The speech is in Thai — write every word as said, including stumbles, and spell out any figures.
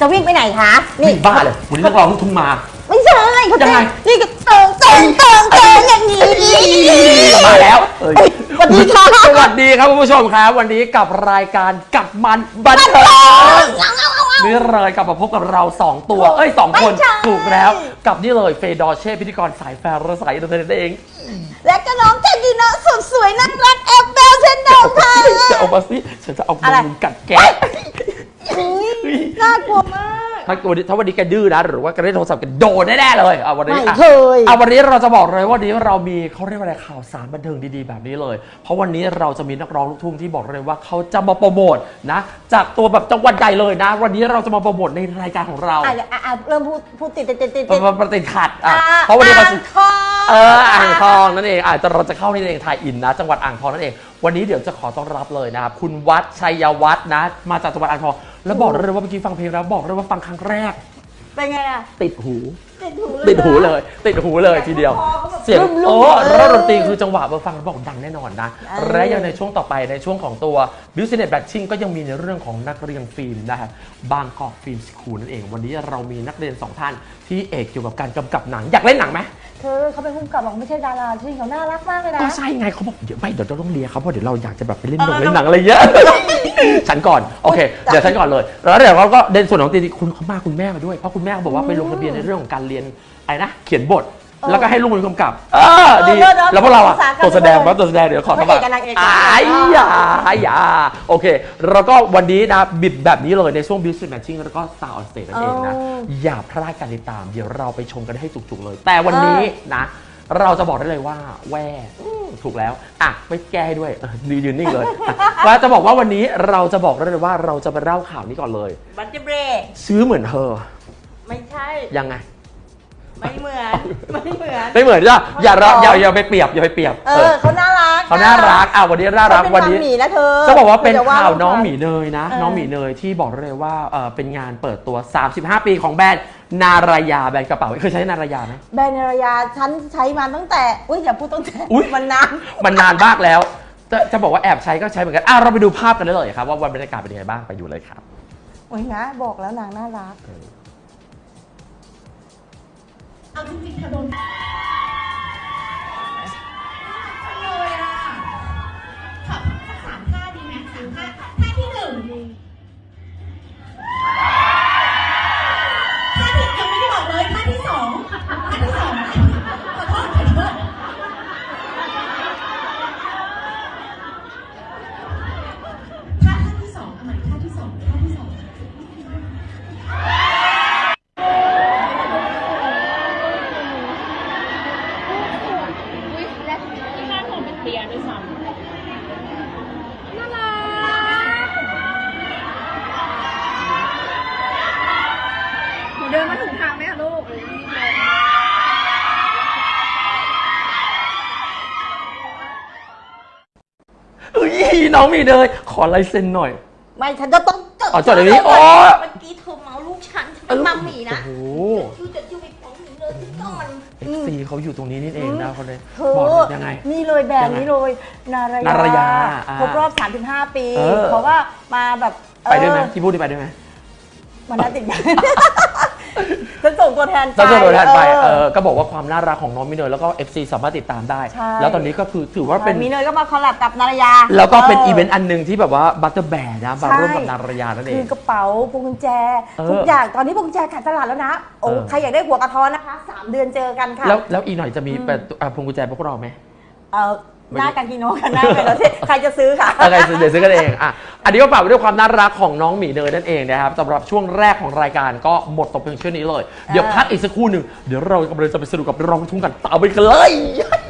จะวิ่งไปไหนคะนี่บ้าเลยวันนี้นักร้องลูกทุ่งมาไม่ใช่เขาจะนี่ก็เติงเติงเติงเติงอย่างนี้มาแล้วสวัสดีค่ะสวัสดีครับคุณผู้ชมครับวันนี้กับรายการกับมันบันเทิงนี่เลยกลับมาพบกับเราสองตัวเอ้ยสองคนถูกแล้วกับนี่เลยเฟย์ดอเช่พิธีกรสายแฟร์สายอินเตอร์เน็ตเองและก็น้องเจนดีนะสุดสวยน่ารักแอบเบลเช่นเดิมค่ะจะเอามาสิฉันจะเอามือกัดแกะน่ากลัวมากถ้าวันนี้ถ้าวันนี้แกดื้อนะหรือว่าแกได้โทรศัพท์กันโดนแน่ๆเลยเอาวันนี้ไม่เคยเอาวันนี้เราจะบอกเลยว่าวันนี้เรามีเขาเรียกว่าอะไรข่าวสารบันเทิงดีๆแบบนี้เลยเพราะวันนี้เราจะมีนักร้องลูกทุ่งที่บอกเลยว่าเขาจะมาโปรโมทนะจากตัวแบบจังหวัดใหญ่เลยนะวันนี้เราจะมาโปรโมทในรายการของเราอ่ะเริ่มพูดพูดติดติดติดติดประติดขัดอ่ะเพราะวันนี้เราจะเอออ่างทองนั่นเองอาจจะเราจะเข้าในเองไทยอินนะจังหวัดอ่างทองนั่นเองวันนี้เดี๋ยวจะขอต้อนรับเลยนะครับคุณวัดชัยวัฒน์นะมาจากจังหวัดอ่างทองแล้วบอกเลยว่าเมื่อกี้ฟังเพลงแล้วบอกเลยว่าฟังครั้งแรกเป็นไงอะติดหูติดหูติดหูเลยติดหูเลยทีเดียวเสียงโอ้แล้วดนตรีคือจังหวะเบอร์ฟังแล้วบอกดังแน่นอนนะและยังในช่วงต่อไปในช่วงของตัว Business Batching ก็ยังมีในเรื่องของนักเรียนฟิล์มนะครับบางกอกฟิล์มสคูลนั่นเองวันนี้เรามีนักเรียนสองท่านที่เอกเกี่ยวกับการกำกับหนังอยากเล่นหนังไหมเธอเขาเป็นผู้กำกับบอกไม่ใช่ดาราที่เขาน่ารักมากเลยนะก็ใช่ไงเขาบอกเดี๋ยวไม่เดี๋ยวเราต้องเลียเขาเพราะเดี๋ยวเราอยากจะแบบไปเล่นหนังเล่นหนังอะไรเยอะฉันก่อนโอเคเดี๋ยวฉันก่อนเลยแล้วเดี๋ยวเราก็เด่นส่วนของตีคุณเขามาคุณแม่มาด้วยเพราะคุณแม่บอกว่าไปลงทะเบียนในเรื่องของการเรียนอะไรนะเขียนบทแล้วก็ให้ลูกเป็นกำกับเออดีแล้วพวกเราอ่ะตัวแสดงว่าตัวแสดงเดี๋ยวขอทำแบบอ้ายยาอ้ายยาโอเคแล้วก็วันนี้นะบิดแบบนี้เลยในช่วง Business Matching แล้วก็ Star on Stage นั่นเองนะอย่าพลาดการติดตามเดี๋ยวเราไปชมกันให้จุกๆเลยแต่วันนี้นะเราจะบอกได้เลยว่าแว่ถูกแล้วอ่ะไม่แก้ให้ด้วยยืนนิ่งเลยว่าจะบอกว่าวันนี้เราจะบอกได้เลยว่าเราจะมาเล่าข่าวนี้ก่อนเลยบัตเจเบรซื้อเหมือนเธอไม่ใช่ยังไงไม่เหมือนไม่เหมือนไม่เหมือนจ้ะอย่าอย่าอย่าไปเปรียบอย่าไปเปรียบเออเขาน่ารักเขาน่ารักอ่ะวันนี้น่ารักวันนี้จะบอกว่าเป็นข่าวน้องหมีเนยนะน้องหมีเนยที่บอกเลยว่าเป็นงานเปิดตัวสามสิบห้าปีของแบรนด์นารายาแบรนด์กระเป๋าเคยใช้นารายาไหมแบรนด์นารายาฉันใช้มาตั้งแต่อุ้ยอย่าพูดตั้งแต่มันนานมันนานมากแล้วจะจะบอกว่าแอบใช้ก็ใช้เหมือนกันอ่ะเราไปดูภาพกันได้เลยครับว่าวันบรรยากาศเป็นยังไงบ้างไปดูเลยครับโอ้ยนะบอกแล้วนางน่ารักเอาจริงๆเธอโดนเลยอ่ะขอสักสามท่าดีไหมสามท่าท่าที่หนึ่งท่าที่ยังไม่ได้บอกเลยท่าที่สองท่าที่สองขอโทษขอโทษท่าท่าที่สองเอาใหม่ท่าที่สองท่าที่สองเรียนด้วยซ้ำน่ารักหนูเดินมาถูกทางไหมคะลูกเฮ้ยน้องมีเลยขอลายเซ็นหน่อยไม่ฉันจะต้องจดอ๋อจดในนี้อ๋อเมื่อกี้เธอเมาลูกฉันฉันเป็นมัมมี่นะโอ้โหชื่อจะชื่อไปฟ้องหมีเลยก่อนเอฟซีเขาอยู่ตรงนี้นี่เองนะเขาเลยบอกยังไงนี่เลยแบรนด์นี้เลยนารายาครบรอบสามสิบห้าปีเพราะว่ามาแบบไปด้วยไหมที่พูดได้ไปด้วยไหมมันน่าติดฉันส่งตัวแทนไปส่งตัวแทนไปเออก็บอกว่าความน่ารักของน้องมิเนยแล้วก็ เอฟ ซี สามารถติดตามได้แล้วตอนนี้ก็คือถือว่าเป็นมิเนยก็มาคอลแลบกับนารายาแล้วก็เป็นอีเวนต์อันหนึ่งที่แบบว่าบัตเตอร์แบร์นะมาร่วมกับนารายานั่นเองคือกระเป๋าพวงกุญแจทุกอย่างตอนนี้พวงกุญแจขายตลาดแล้วนะโอ้ใครอยากได้หัวกระท้อนนะคะสามเดือนเจอกันค่ะแล้วแล้วอีกหน่อยจะมีเป็นพวงกุญแจพวกเราไหมเออหน้ากันกิโนกันหน้าไปแล้วที่ใครจะซื้อค่ะใครซื้อเดี๋ยวซื้อกันเองอ่ะอันนี้ก็ฝากไว้ด้วยความน่ารักของน้องหมีเนยนั่นเองนะครับสำหรับช่วงแรกของรายการก็หมดตกเพียงเช่นนี้เลยเดี๋ยวพักอีกสักครู่หนึ่งเดี๋ยวเรากำลังจะไปสนุกกับร้องทุ่งกันต่อไปกันเลย